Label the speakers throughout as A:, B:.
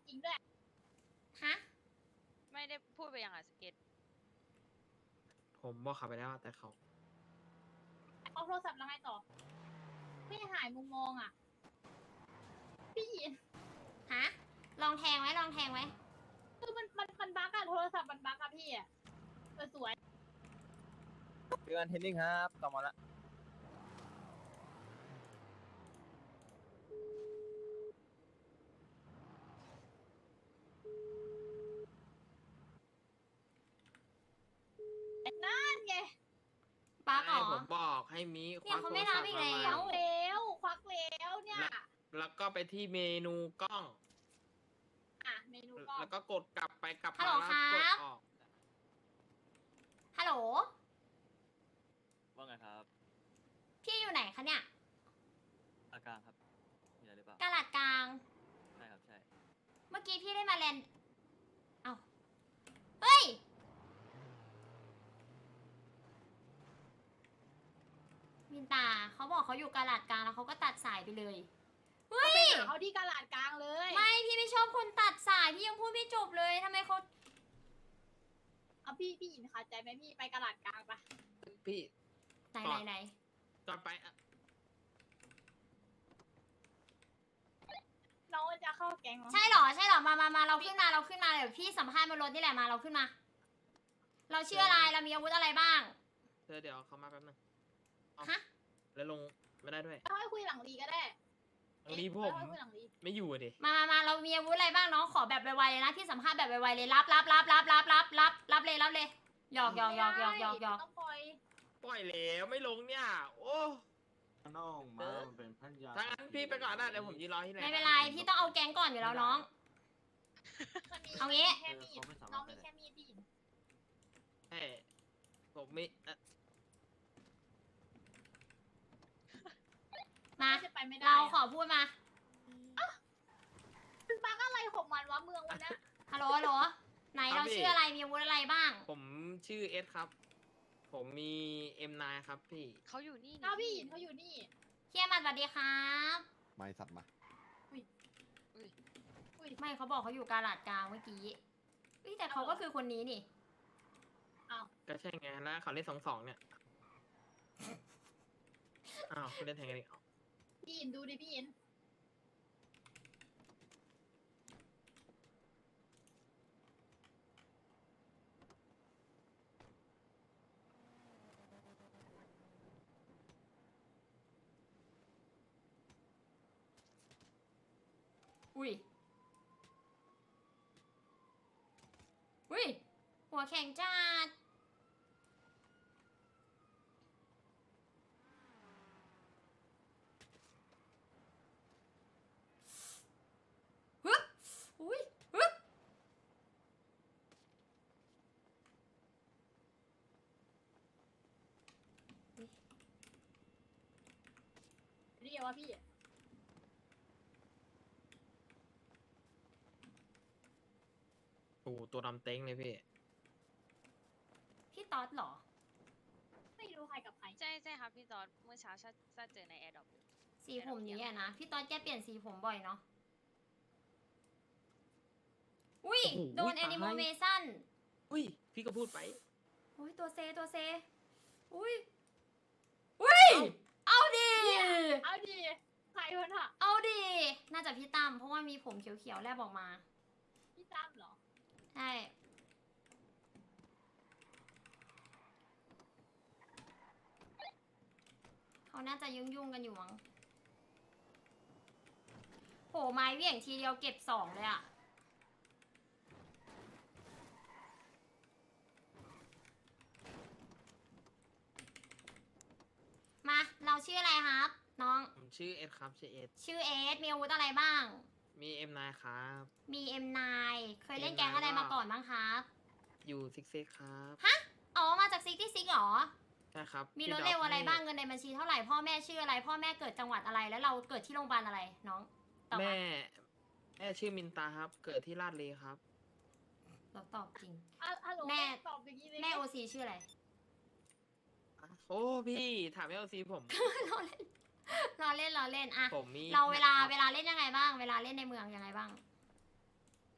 A: ริงด้วย
B: ฮะ
C: ไม่ได้พูดไปยังอ่ะสเก็ต
D: ผมบอกเขาไปแล้วแต่เขา
A: เอาโทรศัพท์แล้วไงต่อไม่หายมุมมองอ่ะ พี่หยิน
B: ฮะ ลองแทงไว้ ลองแทงไว้
A: คือมันบั๊กอะโทรศัพท์มันบั๊กอะพี่อะสวย
E: เจอกันเทนนิ่งครับกลับมาละ
A: นั่นไง
B: ปักเหร
D: ให้
B: อ
D: ผมบอกให้มี
B: เนี่ยเขาไม่รับอีกแล้ว
A: ควักแล้วเนี่ย
D: แล้วก็ไปที่เมนูกล้อง
A: อ่ะเมนูก็
D: แล้วก็กดกลับไปกลับ
B: ฮัล
D: มา
B: โหล
D: แล้วกด
B: ครับ
D: ออก
B: ฮัลโหล
F: ว่าไงครับ
B: พี่อยู่ไหนคะเนี่ย
F: อาการครับ มีอะไรหรือเปล่า
B: กาลาดกลาง
F: ใช่ครับ ใช่
B: เมื่อกี้พี่ได้มาแลนด์เอ้า เฮ้ย มินตาเขาบอกเขาอยู่กาลาดกลางแล้วเขาก็ตัดสายไปเลย เฮ้
A: ไป
B: ย
A: หาเขาที่กาลาดกลางเลย
B: ไม่ พี่ไม่ชอบคนตัดสาย พี่ยังพูดไม่จบเลยทำไมเขา
A: เอาพี่หยินขาดใจไหมพี่ไปกาลาดกลางปะ
D: พี่
B: ไหนไหนไหน
D: ก่อนไปอะ
A: น้องจะเข้าแก๊งเหรอ
B: ใช่เหรอ ใช่เหรอ มาเราขึ้นมา เราขึ้นมาเดี๋ยวพี่สัมภาษณ์บนรถนี่แหละมา เราขึ้นมา เราชื่ออะไร เรามีอาวุธอะไรบ้าง
D: เดี๋ยวเขามาแป๊บนึงเอา
B: ฮะ
D: แล้วลงไม่ได้ด้วย
A: ค่อยคุยหลังรีก็ได้
D: ตรงนี้ผม
A: ค่อยคุยหลังรี
D: ไม่อยู่อะดิ
B: มาเรามีอาวุธอะไรบ้างน้อง ขอแบบไวๆเลยนะ พี่สัมภาษณ์แบบไวๆเลย รับเลยหยอก
A: ต้องปล่อย
D: ปล่อยแล้วไม่ลงเนี่ย โอ้
G: น้องมามันเป็นพันยา
D: ถ้างั้นพี่ไปก่อนนะเดี๋ยวผมยืนรอที่ไหน
B: ไม่เป็นไร พี่ต้องเอาแก๊งก่อนอยู่แล้วน้อง
A: มันมี
B: เอางี้
A: แค่มีดน้องมีแค่มีดพี่หยิน
D: ใช่ผมมีอะ
B: มา
A: จะไปไม่ได้
B: เราขอพูดมา
A: มันบั๊กอะไรของมันวะเมืองวันนะ
B: ฮัลโหล ไหนเราชื่ออะไร มีอาวุธอะไรบ้าง
D: ผมชื่อเอสครับ ผมมี M9 ครับพี่
C: เขาอยู่นี่
A: เอาพี่หยินเขาอยู่นี่
B: เฮียมัดสวัสดีครับ
G: ไม่สับมา
B: ไม่เขาบอกเขาอยู่กาลาดกลางเมื่อกี้เฮ้ยแต่เขาก็คือคนนี้นี่
D: ก็ใช่ไงแล้วเขาเล่น2-2เนี่ย อ้าวคุณเล่นแทงกันอีกเหรอ
A: พี่หยินดูดิพี่หยิน
B: อุ้ยหัวแข็งจัดฮึบอุ้ยฮึบ
A: เรียกว่าพี่
D: โอ้โหตัวดำเต็งเลยพี่
B: พี่ต๊อดเหรอ
A: ไม่รู้ใครกับใคร
C: ใช่ครับพี่จอร์ดเมื่อเช้าชาเจอในแอร์ดรอป
B: สีผมนี้อะนะ พี่ต๊อดแกเปลี่ยนสีผมบ่อยเนาะ อุ้ย
D: โอ้โห
B: โดน
D: ตาย
B: แอนิโมเมชั่น
D: อุ้ย พี่ก็พูดไป
B: อุ้ยตัวเซอุ้ยเอาดิ
A: เอาดิใครวะน่ะ
B: เอาดิ น่าจะพี่ตั้มเพราะว่ามีผมเขียวๆแลบออกมา
A: พี่ตั้มเหรอ
B: ใช่เขาน่าจะยุ่งกันอยู่มั้งโหไม้เหวี่ยงทีเดียวเก็บ2เลยอะมา เราชื่ออะไรครับ น้อง
D: ผมชื่อเอสครับชื่อเอส
B: ชื่อเอสมีอาวุธอะไรบ้าง
D: มี M9 ครับ
B: มี M9 เคยเล่นแก๊งอะไรมาก่อนบ้างครับ
D: อยู่ซิกเซ็กครับ
B: อ๋อ มาจากซิกที่ซิกหรอ
D: ใช่ครับ
B: มี
D: พี่
B: รถ
D: ดก
B: เร็วอะไร
D: ให้
B: บ้างเงินในบัญชีเท่าไหร่พ่อแม่ชื่ออะไร พ่อแม่เกิดจังหวัดอะไร แล้วเราเกิดที่โรงพยาบาลอะไรน้องตอบมา
D: แม่ชื่อมินตาครับ เกิดที่ลาดเลครับ
B: เราตอบจริง
A: ฮัลโหล
B: แม่
A: ตอบอย่างนี้เลย
B: แม่โอซีชื่ออะไร
D: โอ้พี่ถามเอลซีผม
B: เราเล่นอะ
D: ผมมี
B: เราเวลา
D: ครับ
B: เล่นยังไงบ้าง เวลาเล่นในเมืองยังไงบ้าง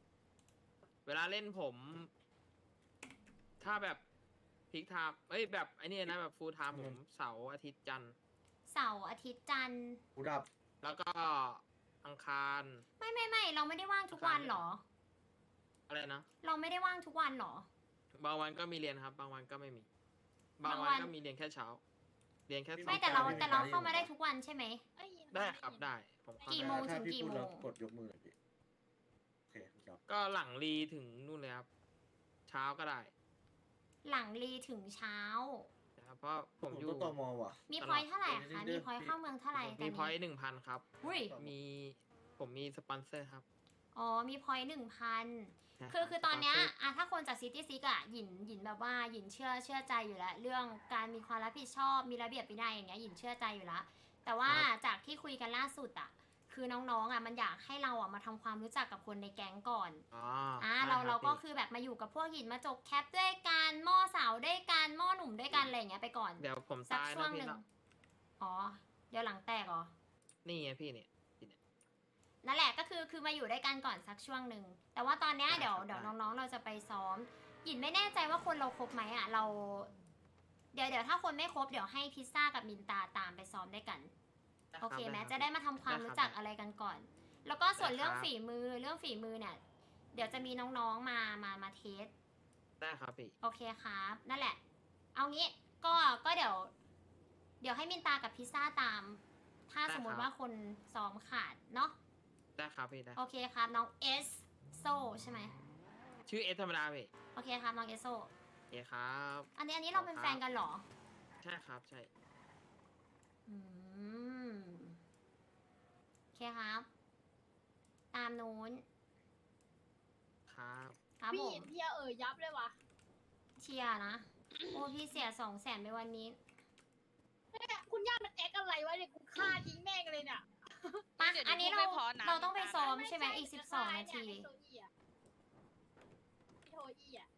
D: ลาเล่นผม ถ้าแบบพิกไทม์แบบไอ้นี่นะแบบฟูลไทม์ผมเสาร์อาทิตย์จันทร์
B: เสาร์อาทิตย์จันทร์
G: กูดับ
D: แล้วก็อังคาร
B: ไม่เราไม่ได้ว่างทุกวันหรอ
D: อะไรนะ
B: เราไม่ได้ว่างทุกวันหรอ
D: บางวันก็มีเรียนครับ บางวันก็ไม่มี บาง
B: บางวั
D: วัน
B: น
D: ก็มีเรียนแค่เช้า เรียนแค่สอง
B: ไม่แต่เราเข้ามาได้ทุกวันใช่ไหม
A: เอ้ย
D: ได้ครับได้ผมเข้า
B: กี่
D: ได้
B: โมงถึงกี่โมง
G: กดยกมือหน่อยดิโอเคครับ
D: ก็หลังรีถึงนู่นเลยครับ เช้าก็ได้
B: หลังรีถึงเช้า
D: นะครับเพราะผมอยู่
G: ต้องตมว่ะ
B: มีพอยต์เท่าไหร่อะคะมีพอยต์เข้าเมืองเท่าไหร่
D: มีพอย
B: ต์
D: ต์1,000 ครับ
B: อุ้ย
D: ผมมีสปอนเซอร์ครับ
B: อ๋อมีพอยต์1,000
D: ใช่
B: คือ
D: รับ
B: ตอนเนี้ย
D: สปเซร์
B: อะถ้าคนจากซิตี้ซิกอะหยินแบบว่าหยินเชื่อใจอยู่แล้ว เรื่องการมีความรับผิดชอบมีระเบียบวินัยอย่างเงี้ยหยินเชื่อใจอยู่แล้ว แต่ว่าจากที่คุยกันล่าสุดอะคือน้องๆอะมันอยากให้เราอะมาทำความรู้จักกับคนในแก๊งก่อน
D: ได้ค
B: เรา
D: บ
B: ก็
D: พี่
B: คือแบบมาอยู่กับพวกหยินมาจกแคปด้วยกันหม้อสาวด้วยกันหม้อหนุ่มด้วยกันอะไรอย่างเงี้ยไปก่อน
D: เดี๋ยวผม
B: สัก
D: ตาย
B: ช่ว
D: นะ
B: งห
D: พี่
B: นึ่ง
D: เนาะ
B: อ๋อเดี๋ยวหลังแตกเหรอ
D: นี่ไงพี่เนี่ย
B: นั่นแหละก็คือมาอยู่ด้วยกันก่อนสักช่วงหนึ่งแต่ว่าตอนเนี้ย
D: ได้
B: เดี๋ยว
D: ครับได้
B: น้องๆเราจะไปซ้อมหยินไม่แน่ใจว่าคนเราครบไหมอ่ะเรา เดี๋ยวถ้าคนไม่ครบเดี๋ยวให้พิซซ่ากับมินตาตามไปซ้อมด้วยกัน
D: ได้รับ
B: โอเคไหม
D: รับ
B: จะได้มาทำความ
D: ได้ครับ
B: รู้จักอะไรกันก่อน แล้วก็ส่วน
D: ได้ครับ
B: เรื่องฝีมือเนี่ย เดี๋ยวจะมีน้องๆมาเทส
D: ได้ครับพี่
B: โอเคครับ นั่นแหละ เอางี้ก็เดี๋ยวให้มินตากับพิซซ่าตาม ถ้า
D: ได้
B: สมม
D: ครั
B: ติ
D: บ
B: ว่าคนซ้อมขาดเนาะ
D: ได้ครับพี่ได้
B: โอเคครับน้องเอสโซใช่ไหม
D: ชื่อเอสธรรมดาพี่
B: โอเคครับน้องเอสโซ
D: โอเคครับ
B: อันนี้เราเป็นแฟนกันเหรอ
D: ใช่ครับใช่
B: อืมโอเคครับ ตามนู้น
D: ครับ
B: ครับ
A: พี่
B: ผ
A: เห็
B: ม
A: นพี่ยับเลยวะ
B: เชียร์นะ โอ้พี่เสีย200,000ไปวันนี้
A: เนี่ยคุณย่ามันแอคอะไรวะเนี่ยกูฆ่าทิ้งแม่งเลยเนี่ย
B: มา
C: เดี๋ยว
B: อันนี้
C: พูดไม่พอนะ
B: เราต้องไปซ้อม
A: ไม่
B: ใช่ไหมอีก
A: จะ
B: 12 นาที
A: ไอ้โทอี้อะไอ้โทอี้อะ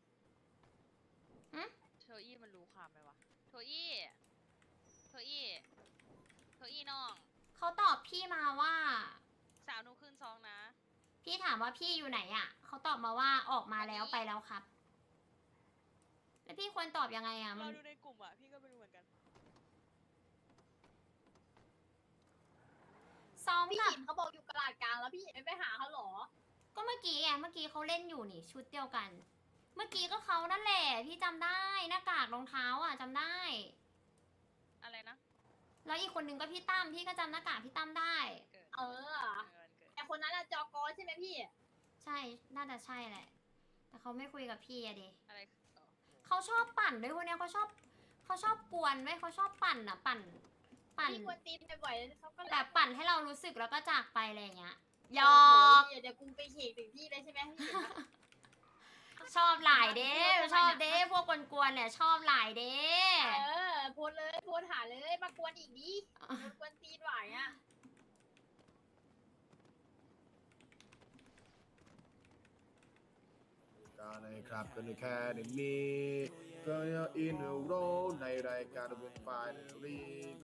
C: โทอี้มันรู้ความไหมวะ โทอี้น้อง
B: เขาตอบพี่มาว่า
C: สาวหนูขึ้นซองนะ
B: พี่ถามว่าพี่อยู่ไหนอ่ะ เขาตอบมาว่าออกมาแล้วไปแล้วครับ แล้วพี่ควรตอบยังไงอ่ะ
C: เรา
B: มัน
C: ดูในกลุ่มอ่ะ พี่ก็ไม่รู้เหมือนกัน
B: ซ้อม
A: พี่
B: กับ
A: หินเขาบอกอยู่กระดาษกลางแล้วพี่หินไม่ไปหาเขาเหรอ
B: ก็เมื่อกี้ไงเมื่อกี้เขาเล่นอยู่นี่ชุดเดียวกัน เมื่อกี้ก็เขานั่นแหละ พี่จำได้หน้ากากรองเท้าอ่ะจำได้
C: อะไรนะ
B: แล้วอีกคนนึงก็พี่ตั้มพี่ก็จำหน้ากากพี่ตั้มได้
C: เกิด
A: เออ
C: วันเกิด
A: แต่คนนั้นอะจอกอใช่ไหมพี่
B: ใช่ น่าจะใช่แหละ แต่เขาไม่คุยกับพี่อะดิ
C: อะไร
B: เขาชอบปั่นด้วยคนเนี้ยเขาชอบกวนไว้ยเขาชอบปั่นอ่ะ ปั่น
A: พี่กวนตีนบ่อยๆเขาก็
B: แบบปั่นให้เรารู้สึกแล้วก็จากไปอะไรอย่างเงี้ยหย
A: โอ้
B: อ
A: โห
B: ก
A: เดี๋ยวกูไปเขกถึงที่เลยใช่ไหมพี่หินอะ
B: ชอบหลายเด้ชอบเด้พวกกวนๆเนี่ยชอบหลายเด้
A: เออโพสเลยโพสหาเลยมากวนอีกดิกวนตีนไหวอะ
H: การในครับก็ในแค่นี้ก็ยังอินโรในรายการเป็นไฟล์เรี